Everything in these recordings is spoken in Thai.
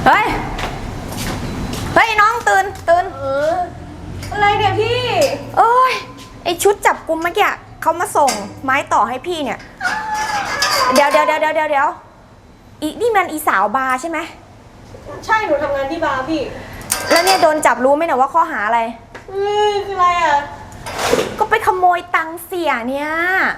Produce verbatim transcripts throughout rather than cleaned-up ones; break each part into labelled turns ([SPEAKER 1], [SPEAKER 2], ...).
[SPEAKER 1] เฮ้ย เฮ้ยน้องตื่นตื่น
[SPEAKER 2] เอออะไรเนี่ยพี่
[SPEAKER 1] เอ้ยไอชุดจับกุมเมื่อกี้เขามาส่งไม้ต่อให้พี่เนี่ย เดี๋ยวเดี๋ยวเดี๋ยวเดี๋ยวเดี๋ยวอีนี่มันอีสาวบาร์ใช่ไหม
[SPEAKER 2] ใช่หนูทำงานที่บาร์พี่
[SPEAKER 1] แล้วเนี่ยโดนจับรู้ไหมเนี่ยว่าข้อหาอะไร
[SPEAKER 2] เออคืออะไรอ่ะ
[SPEAKER 1] ก็ไปขโมยตังค์เสียเนี่ย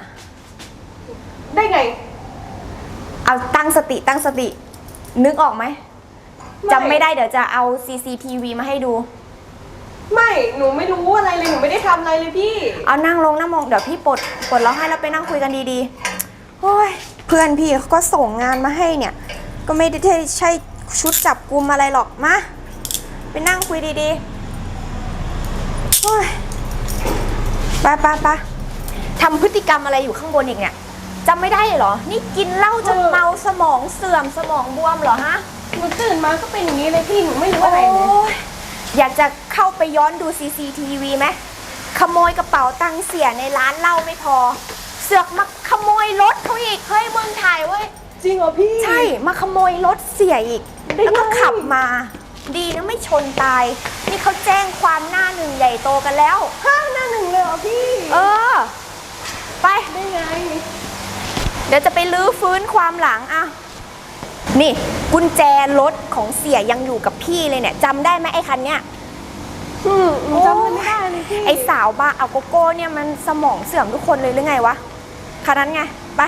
[SPEAKER 2] ได้ไง
[SPEAKER 1] เอาตั้งสติตั้งสตินึกออกไหมจำไม่ได้เดี๋ยวจะเอา ซี ซี ที วี มาให้ดู
[SPEAKER 2] ไม่หนูไม่รู้อะไรเลยหนูไม่ได้ทำอะไรเลยพี่
[SPEAKER 1] เอานั่งลงนั่งมองเดี๋ยวพี่ปลดปลดเราให้แล้วไปนั่งคุยกันดีๆโอ้ยเพื่อนพี่เขาก็ส่งงานมาให้เนี่ยก็ไม่ได้ใช่ชุดจับกุมอะไรหรอกมาไปนั่งคุยดีๆโอ้ยไปไปไปทำพฤติกรรมอะไรอยู่ข้างบนอีกเนี่ยจำไม่ได้เหรอนี่กินเหล้าจนเมาสมองเสื่อมสมองบวมเหรอฮะ
[SPEAKER 2] หนูตื่นมาก็เป็นอย่างนี้เลยพี่หนูไม่รู้อะไรเลย
[SPEAKER 1] อยากจะเข้าไปย้อนดู ซี ซี ที วี ไหมขโมยกระเป๋าตังค์เสียในร้านเหล้าไม่พอเสือกมาขโมยรถเขาอีกเฮ้ยมึงถ่ายเว้ย
[SPEAKER 2] จริงเหรอพี่
[SPEAKER 1] ใช่มาขโมยรถเสียอีกแล้วก็ขับมาดีนะไม่ชนตายนี่เขาแจ้งความหน้าหนึ่งใหญ่โตกันแล้ว
[SPEAKER 2] ห้าหน้าหนึ่งเลยเหรอพี่
[SPEAKER 1] เออไป
[SPEAKER 2] ได้ไง
[SPEAKER 1] เดี๋ยวจะไปลื้อฟื้นความหลังอ่ะนี่กุญแจรถของเสียยังอยู่กับพี่เลยเนี่ยจำได้ไหมไอ้คันเนี้ย
[SPEAKER 2] อืมจำไม่ได้เลยพี่
[SPEAKER 1] ไอ้สาวบาร์เอาโกโก้เนี่ยมันสมองเสื่อมทุกคนเลยหรือไงวะคันนั้นไงไป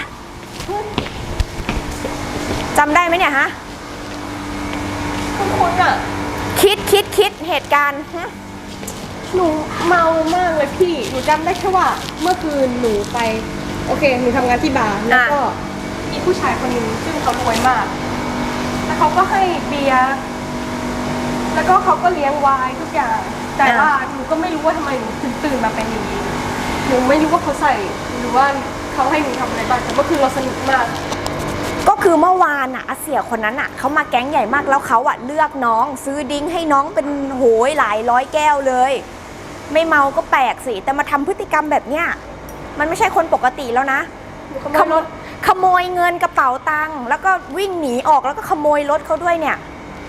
[SPEAKER 1] จำได้ไหมเนี่ยฮะ
[SPEAKER 2] คุณคุณอะ
[SPEAKER 1] คิดคิดคิดเหตุการณ์
[SPEAKER 2] หนูเมามากเลยพี่หนูจำได้แค่ว่าเมื่อคืนหนูไปโอเคหนูทำงานที่บาร์แล้วก็มีผู้ชายคนหนึ่งซึ่งเขารวยมากแล้วเขาก็ให้เบียร์แล้วก็เขาก็เลี้ยงไวน์ทุกอย่างแต่ว่าหนูก็ไม่รู้ว่าทำไมหนูถึงตื่นมาเป็นอย่างนี้หนูไม่รู้ว่าเขาใส่หรือว่าเขาให้หนูทำอะไรบ้างแต่เมื่อคืนเราสนุกมาก
[SPEAKER 1] ก็คือเมื่อวานอะเสียคนนั้นอะเขามาแก๊งใหญ่มากแล้วเขาอะเลือกน้องซื้อดิ้งให้น้องเป็นโหยหลายร้อยแก้วเลยไม่เมาก็แปลกสิแต่มาทำพฤติกรรมแบบเนี้ยมันไม่ใช่คนปกติแล้วนะขโมยขโมยเงินกระเป๋าตังค์แล้วก็วิ่งหนีออกแล้วก็ขโมยรถเขาด้วยเนี่ย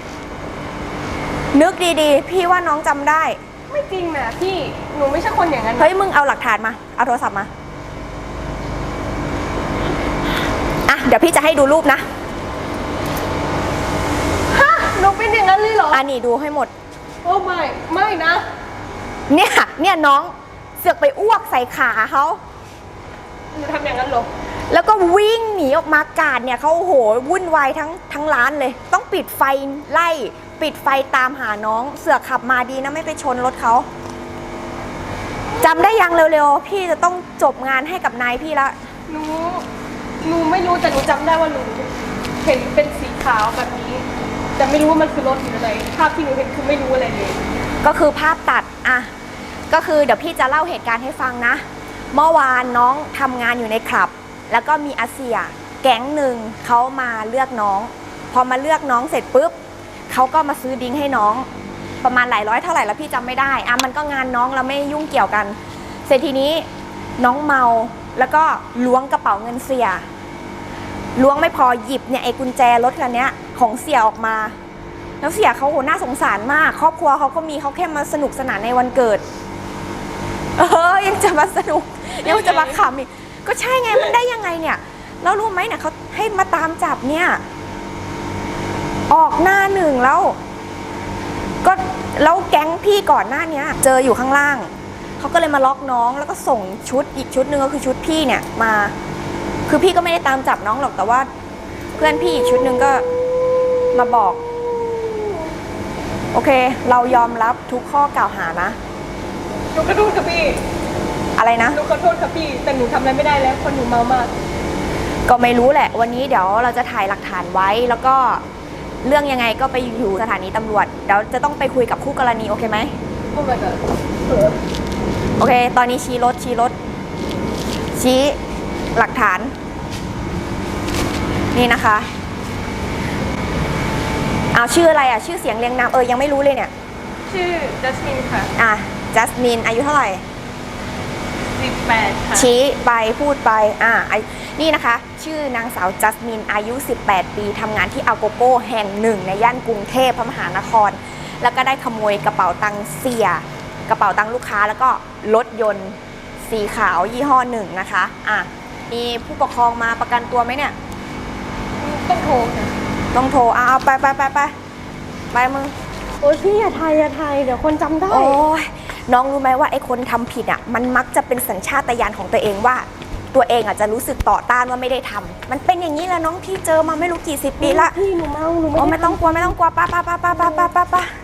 [SPEAKER 1] นึกดีๆพี่ว่าน้องจำได้
[SPEAKER 2] ไม่จริงนะพี่หนูไม่ใช่คนอย่างนั้น
[SPEAKER 1] เฮ้ยมึงเอาหลักฐานมาเอาโทรศัพท์มาอ่ะเดี๋ยวพี่จะให้ดูรูปนะ
[SPEAKER 2] ฮะหนูเป็นอย่างนั้นเลยเหรอ
[SPEAKER 1] อ่ะนี่ดูให้หมด
[SPEAKER 2] โอ้ไม่ไม่นะ
[SPEAKER 1] เนี่ยเนี่ยน้องเสือกไปอ้วกใส่ขาเขา
[SPEAKER 2] หนูทำอย่างนั้นหรอ
[SPEAKER 1] แล้วก็วิ่งหนีออกมากาดเนี่ยเขาโอ้โหวุ่นวายทั้งทั้งร้านเลยต้องปิดไฟไล่ปิดไฟตามหาน้องเสือกขับมาดีนะไม่ไปชนรถเขาจำได้ยังเร็วๆพี่จะต้องจบงานให้กับนายพี่ละ
[SPEAKER 2] หนูหนูไม่รู้แต่หนูจำได้ว่าหนูเห็นเป็นสีขาวแบบนี้แต่ไม่รู้ว่ามันคือรถหรืออะไรภาพที่หนูเห็นคือไม่รู้อะไรเลย
[SPEAKER 1] ก็คือภาพตัดอ่ะก็คือเดี๋ยวพี่จะเล่าเหตุการณ์ให้ฟังนะเมื่อวานน้องทำงานอยู่ในคลับแล้วก็มีอาเซียแก๊งหนึ่งเขามาเลือกน้องพอมาเลือกน้องเสร็จปุ๊บเขาก็มาซื้อดิ้งให้น้องประมาณหลายร้อยเท่าไหร่แล้วพี่จำไม่ได้อ่ะมันก็งานน้องเราไม่ยุ่งเกี่ยวกันเสร็จทีนี้น้องเมาแล้วก็ล้วงกระเป๋าเงินเสียล้วงไม่พอหยิบเนี่ยไอ้กุญแจรถคันนี้ของเสียออกมาแล้วเสียเขาโหน่าสงสารมากครอบครัวเขาก็มีเขาแค่มาสนุกสนานในวันเกิดเออยังจะมาสนุกยังจะมาขำอีกก็ใช่ไงมันได้ยังไงเนี่ยแล้วรู้ไหมเนี่ยเขาให้มาตามจับเนี่ยออกหน้าหนึ่งแล้วก็แล้วแก๊งพี่ก่อนหน้านี้เจออยู่ข้างล่างเขาก็เลยมาล็อกน้องแล้วก็ส่งชุดอีกชุดหนึ่งก็คือชุดพี่เนี่ยมาคือพี่ก็ไม่ได้ตามจับน้องหรอกแต่ว่าเพื่อนพี่อีกชุดหนึ่งก็มาบอกโอเคเรายอมรับทุกข้อกล่าวหานะ
[SPEAKER 2] หนูขอโทษค่ะพี่
[SPEAKER 1] อะไรนะ
[SPEAKER 2] หนูขอโทษค่ะพี่แต่หนูทำอะไรไม่ได้แล้วคนหนูเมามาก
[SPEAKER 1] ก็ไม่รู้แหละวันนี้เดี๋ยวเราจะถ่ายหลักฐานไว้แล้วก็เรื่องยังไงก็ไปอยู่สถานีตำรวจเดี๋ยวจะต้องไปคุยกับคู่กรณีโอเคไหม
[SPEAKER 2] โอ้ my god
[SPEAKER 1] โอเคตอนนี้ชี้รถชี้รถชี้หลักฐานนี่นะคะเอาชื่ออะไรอ่ะชื่อเสียงเรียงนามเออยังไม่รู้เลยเนี่ย
[SPEAKER 2] ชื่อจัสมินค่ะ
[SPEAKER 1] อ่ะจัสมินอายุเท่าไหร่
[SPEAKER 2] สิบแปดค่ะ
[SPEAKER 1] ชี้ไปพูดไปอ่าไอ้นี่นะคะ ชื่อนางสาวจัสมินอายุ สิบแปด ปีทำงานที่อาโกโก้แห่งหนึ่งในย่านกรุงเทพพระมหานคร แล้วก็ได้ขโมยกระเป๋าตังค์เสีย กระเป๋าตังค์ลูกค้าแล้วก็รถยนต์สีขาวยี่ห้อหนึ่งนะคะอ่ะมีผู้ปกครองมาประกันตัวไหมเนี่ย
[SPEAKER 2] ต้องโทรค่ะ
[SPEAKER 1] ต้องโทรเอาเอาไปไปไปไปไปมึง
[SPEAKER 2] โอ้ยพี่อย่าไทยอย่าไทยเดี๋ยวคนจำได้
[SPEAKER 1] โอ้ยน้องรู้ไหมว่าไอ้คนทำผิดอ่ะมันมักจะเป็นสัญชาตญาณของตัวเองว่า ตัวเองอ่ะจะรู้สึกต่อต้านว่าไม่ได้ทำมันเป็นอย่างนี้แหละน้องที่เจอมาไม่รู้กี่สิบปีละ
[SPEAKER 2] พี่หนูเมาหนู
[SPEAKER 1] โอ้
[SPEAKER 2] ไม่
[SPEAKER 1] ไม่
[SPEAKER 2] ได้
[SPEAKER 1] ต้องกลัวไม่ต้องกลัวป้าป้าป้าป้าป้าป้าป้า